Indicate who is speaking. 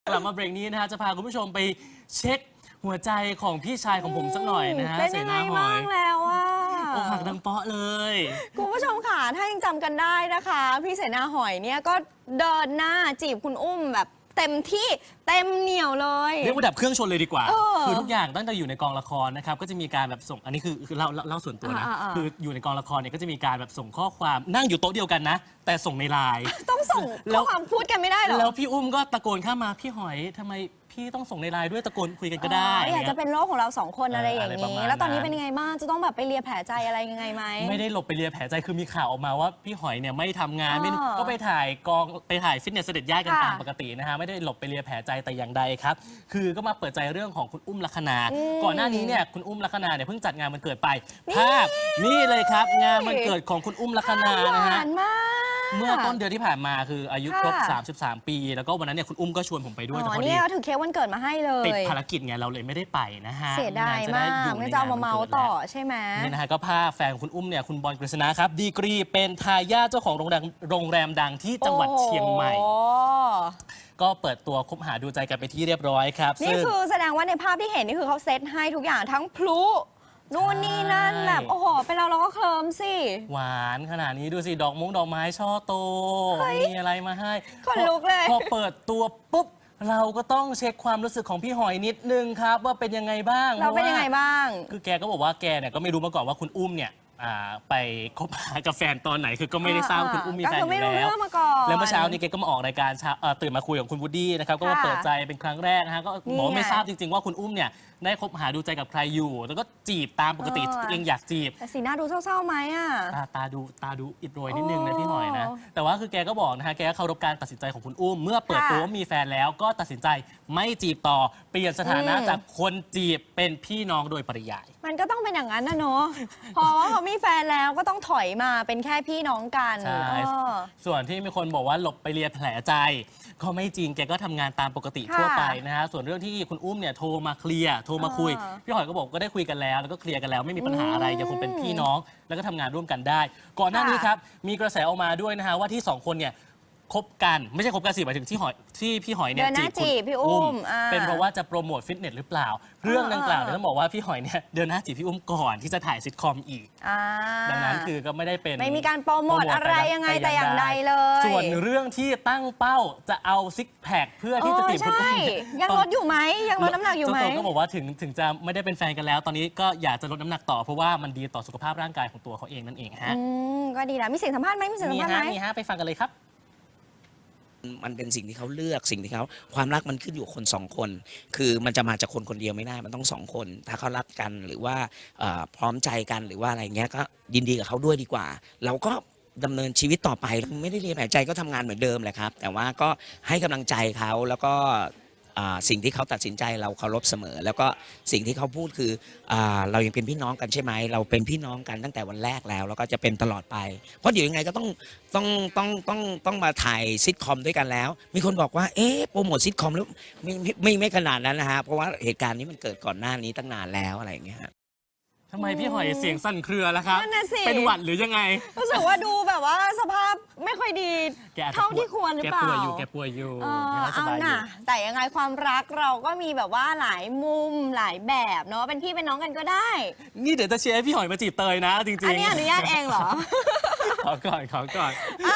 Speaker 1: กลับมาเบรกนี้นะฮะจะพาคุณผู้ชมไปเช็คหัวใจของพี่ชายของผมสักหน่อยนะฮะ
Speaker 2: เป็นยังไงบ้างแล้วอ่ะ
Speaker 1: อกหักดังเปาะเลย
Speaker 2: คุณผู้ชมค่ะถ้ายังจำกันได้นะคะพี่เสนาหอยเนี่ยก็เดินหน้าจีบคุณอุ้มแบบเต็มที่เต็มเหนียวเลย
Speaker 1: เรียกว่าดับเครื่องชนเลยดีกว่าคือทุกอย่างตั้งแต่อยู่ในกองละครนะครับก็จะมีการแบบส่งอันนี้คือเล่าส่วนตัวนะคืออยู่ในกองละครเนี่ยก็จะมีการแบบส่งข้อความนั่งอยู่โต๊ะเดียวกันนะแต่ส่งในไลน์
Speaker 2: ต้องส่งข้อความพูดกันไม่ได้หรอ
Speaker 1: แล้วพี่อุ้มก็ตะโกนข้ามมาพี่หอยทำไมพี่ต้องส่งในไลน์ด้วยตะโกนคุยกันก็ได้
Speaker 2: อยากจะเป็นโรคของเรา2คนอะไรอย่างนี้แล้วตอนนี้เป็นยังไงบ้างจะต้องแบบไปเลียแผลใจอะไรยังไงไหม
Speaker 1: ไม่ได้หลบไปเลียแผลใจคือมีข่าวออกมาว่าพี่หอยเนี่ยไม่ทำงานไม่ก็ไปถ่ายฟิตเนสเสด็จย่ายกันตามปกตินะฮะไม่ได้หลบไปเลียแผลใจแต่อย่างใดครับคือก็มาเปิดใจเรื่องของคุณอุ้มลัคนาก่อนหน้านี้เนี่ยคุณอุ้มลัคนาเนี่ยเพิ่งจัดงานวันเกิดไปภาพนี่เลยครับงานวันเกิดของคุณอุ้มลัคนานะฮะเมื่อต้นเดือนที่ผ่านมาคืออายุครบ33 ปีแล้วก็วันนั้นเนี่ยคุณอุ้มก็ชวนผมไปด้วยแต่พอดี
Speaker 2: เนี่ยถือเค้กวันเกิดมาให้เลย
Speaker 1: ติดภารกิจไงเราเลยไม่ได้ไปนะฮะ
Speaker 2: เสียดายมากไม่จะเอามาเมาต่อใช่ไหม
Speaker 1: นี่นะฮะก็พาแฟนคุณอุ้มเนี่ยคุณบอลกฤษณะครับดีกรีเป็นทายาทเจ้าของโรงแรมดังที่จังหวัดเชียงใหม่ก็เปิดตัวคบหาดูใจกันไปที่เรียบร้อยครับ
Speaker 2: นี่คือแสดงว่าในภาพที่เห็นนี่คือเขาเซตให้ทุกอย่างทั้งพลุนู่นนี่นั่นแบบโอ้โหเป็นเราก็เคลิ้มสิ
Speaker 1: หวานขนาดนี้ดูสิดอกไม้ช่อโตมีอะไรมาให้
Speaker 2: คนลุกเลย
Speaker 1: พอเปิดตัวปุ๊บเราก็ต้องเช็คความรู้สึกของพี่หอยนิดนึงครับว่าเป็นยังไงบ้าง
Speaker 2: เราเป็นยังไงบ้าง
Speaker 1: คือแกก็บอกว่าแกเนี่ยก็ไม่รู้มาก่อนว่าคุณอุ้มเนี่ยไปคบหากับแฟนตอนไหนคือก็ไม่ได้ทราบคุณอุ้มมีแฟนอยู่แล้วแล้วเมื่อเช้านี้แกก็มาออกรายการตื่นมาคุยกับคุณวูดดี้นะครับก็มาเปิดใจเป็นครั้งแรกนะฮะก็บอกไม่ทราบจริงๆว่าคุณอุ้มเนี่ยได้คบหาดูใจกับใครอยู่แล้วก็จีบตามปกติตัวเองอยากจีบ
Speaker 2: แต่สีหน้าดูเศร้าๆไหมอ่ะ
Speaker 1: ตาดูอิดโรยนิดนึงนะพี่หอยนะแต่ว่าคือแกก็บอกนะฮะแกก็เคารพการตัดสินใจของคุณอุ้มเมื่อเปิดตัวว่ามีแฟนแล้วก็ตัดสินใจไม่จีบต่อเปลี่ยนสถานะจากคนจีบเป็นพี่น้องโดยปริยาย
Speaker 2: มันก็ต้องเป็นอย่างนั้นนะเนาะเพราะว่าเขามีแฟนแล้วก็ต้องถอยมาเป็นแค่พี่น้องกัน
Speaker 1: ส่วนที่มีคนบอกว่าหลบไปเลียแผลใจก็ไม่จริงแกก็ทำงานตามปกติทั่วไปนะฮะส่วนเรื่องที่คุณอุ้มเนี่ยโทรมาเคลียร์โทรมาคุยพี่หอยก็บอกก็ได้คุยกันแล้วแล้วก็เคลียร์กันแล้วไม่มีปัญหาอะไรยังคงเป็นพี่น้องแล้วก็ทำงานร่วมกันได้ก่อนหน้านี้ครับมีกระแสออกมาด้วยนะฮะว่าที่2คนเนี่ยคบกันไม่ใช่คบกันสิหมายถึงที่พี่หอยเนี่ย
Speaker 2: จีบพี่อุ้ม
Speaker 1: เป็นเพราะว่าจะโปรโมทฟิตเนสหรือเปล่าเรื่องดังกล่าวเนี่ยต้องบอกว่าพี่หอยเนี่ยเดินหน้าจีบพี่อุ้มก่อนที่จะถ่ายซิทคอมอีกดังนั้นคือก็ไม่ได้เป็น
Speaker 2: ไม่มีการโปรโมทอะไรยังไงแต่อย่างใดเลย
Speaker 1: ส่วนเรื่องที่ตั้งเป้าจะเอาซิกแพคเพื่อที่จะจีบคุณอุ้ม
Speaker 2: ยังลดอยู่ไหมยังลดน้ำหนักอยู่ไหม
Speaker 1: เจ้าตัวก็บอกว่าถึงจะไม่ได้เป็นแฟนกันแล้วตอนนี้ก็อยากจะลดน้ำหนักต่อเพราะว่ามันดีต่อสุขภาพร่างกายของตัวเขาเองนั่นเองฮะ
Speaker 2: ก็ดีนะมีเสียงสัมภาษณ์ไหมมีเสียงสัมภาษณ์ไหม
Speaker 1: มีฮะไปฟังกันเลยครับ
Speaker 3: มันเป็นสิ่งที่เขาเลือกสิ่งที่เขาความรักมันขึ้นอยู่คน2 คนคือมันจะมาจากคนเดียวไม่ได้มันต้อง2 คนถ้าเขารักกันหรือว่าพร้อมใจกันหรือว่าอะไรเงี้ยก็ยินดีกับเขาด้วยดีกว่าเราก็ดำเนินชีวิตต่อไปไม่ได้เรียนแผลใจก็ทำงานเหมือนเดิมแหละครับแต่ว่าก็ให้กำลังใจเขาแล้วก็สิ่งที่เขาตัดสินใจเราเคารพเสมอแล้วก็สิ่งที่เขาพูดคือเรายังเป็นพี่น้องกันใช่ไหมเราเป็นพี่น้องกันตั้งแต่วันแรกแล้วก็จะเป็นตลอดไปเพราะเดี๋ยวยังไงก็ต้องมาถ่ายซิทคอมด้วยกันแล้วมีคนบอกว่าโปรโมทซิทคอมแล้วไม่ขนาดนั้นนะฮะเพราะว่าเหตุการณ์นี้มันเกิดก่อนหน้านี้ตั้งนานแล้วอะไรอย่างเงี้ย
Speaker 1: ทำไมพี่หอยเสียงสั่นเครือแล้วครับเป็นหวัดหรือยังไง
Speaker 2: รู้สึกว่าดูแบบว่าสภาพไม่ค่อยดีเท่าที่ควรหรือเปล่า
Speaker 1: แกป่วยอยู่
Speaker 2: เอาน่ะแต่ยังไงความรักเราก็มีแบบว่าหลายมุมหลายแบบเนาะเป็นพี่เป็นน้องกันก็ได้
Speaker 1: นี่เดี๋ยวจะเชียร์ให้พี่หอยมาจีบเตยนะจริงๆ
Speaker 2: อันนี้อนุญาตเองเหรอ
Speaker 1: ขอก่อน